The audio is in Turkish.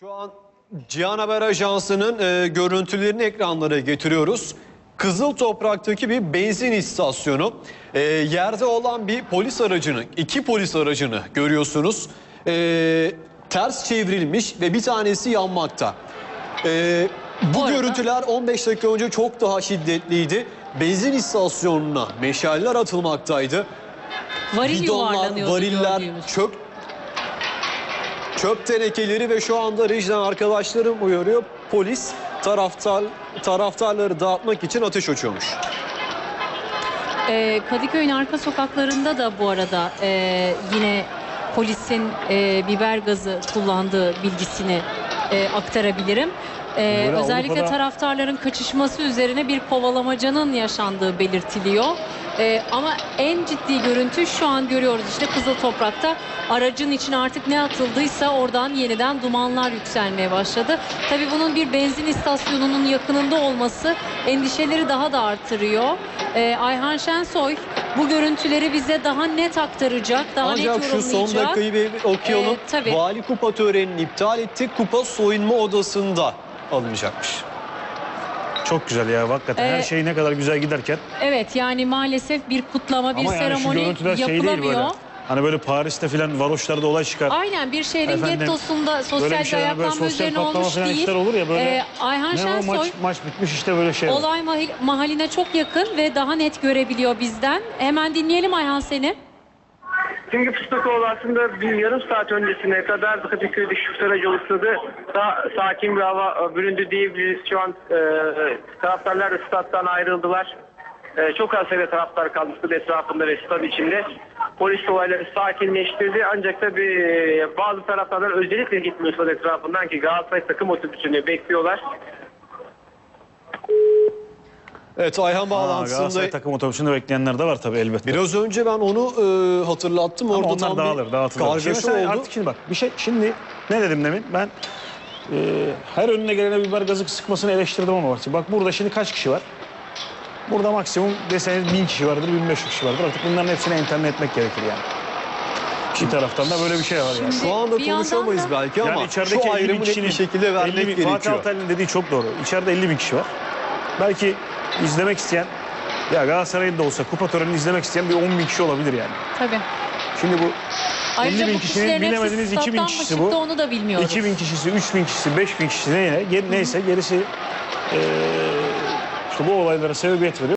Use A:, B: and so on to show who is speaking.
A: Şu an Cihan Haber Ajansı'nın görüntülerini ekranlara getiriyoruz. Kızıl Toprak'taki bir benzin istasyonu. Yerde olan bir polis aracını, iki polis aracını görüyorsunuz. Ters çevrilmiş ve bir tanesi yanmakta. Bu görüntüler 15 dakika önce çok daha şiddetliydi. Benzin istasyonuna meşaller atılmaktaydı. Bidonlar, variller, çöp tenekeleri ve şu anda rejiden arkadaşlarım uyarıyor. Polis taraftarları dağıtmak için ateş açıyormuş.
B: Kadıköy'ün arka sokaklarında da bu arada yine polisin biber gazı kullandığı bilgisini aktarabilirim. Özellikle taraftarların kaçışması üzerine bir kovalamacanın yaşandığı belirtiliyor. Ama en ciddi görüntü şu an görüyoruz işte Kızıl Toprak'ta aracın içine artık ne atıldıysa oradan yeniden dumanlar yükselmeye başladı. Tabii bunun bir benzin istasyonunun yakınında olması endişeleri daha da artırıyor. Ayhan Şensoy bu görüntüleri bize daha net aktaracak, daha net yorumlayacak.
A: Ancak şu son dakikayı bir okuyalım. Vali kupa törenini iptal etti. Kupa soyunma odasında alınacakmış.
C: Çok güzel ya hakikaten her şey ne kadar güzel giderken.
B: Evet yani maalesef bir kutlama, bir seremoni yapılamıyor.
C: Böyle. Hani böyle Paris'te filan varoşlarda olay çıkar.
B: Aynen bir şehrin gettosunda sosyal bir ayaklanma üzerine olmuş değil.
C: Olur ya böyle.
B: Ayhan Şensoy
C: maç bitmiş işte böyle şey.
B: Olay mahalline çok yakın ve daha net görebiliyor bizden. Hemen dinleyelim Ayhan seni.
D: Çünkü Fıstıkoğlu aslında bir yarım saat öncesine kadar Kadıköy'de şu aracı oluşturdu. Daha sakin bir hava büründü diyebiliriz. Şu an taraftarlar da stat'tan ayrıldılar. Çok az sayıda taraftar kaldı stat etrafında ve stat içinde. Polis olayları sakinleştirdi. Ancak tabii bazı taraftarlar özellikle gitmiyor stat etrafından ki Galatasaray takım otobüsünü bekliyorlar.
A: Evet Ayhan bağlantısında.
C: Galatasaray takım otobüsünde bekleyenler de var tabii elbette.
A: Biraz önce ben onu hatırlattım.
C: Ama
A: orada
C: onlar dağılır.
A: Kargaşa oldu.
C: Artık şimdi bak şimdi ne dedim demin ben her önüne gelene biber gazı sıkmasını eleştirdim ama bak burada şimdi kaç kişi var? Burada maksimum deseniz 1000 kişi vardır, 1500 kişi vardır. Artık bunların hepsine enterne etmek gerekir yani. Bir taraftan da böyle bir şey var yani.
A: Şu anda konuşamayız belki ama
C: içerideki
A: şu ayrımı net bir şekilde vermek gerekiyor.
C: Fatih Altaylı'nın dediği çok doğru. İçeride 50.000 kişi var. Belki izlemek isteyen, ya Galatasaray'ın da olsa kupa törenini izlemek isteyen bir 10.000 kişi olabilir yani.
B: Tabii.
C: Şimdi bu
B: ayrıca
C: 50.000 kişinin bilemediniz 2.000 kişisi bu.
B: Onu da bilmiyoruz.
C: 2.000 kişisi, 3.000 kişisi, 5.000 kişisi neyse gerisi işte bu olaylara sebebiyet veriyor.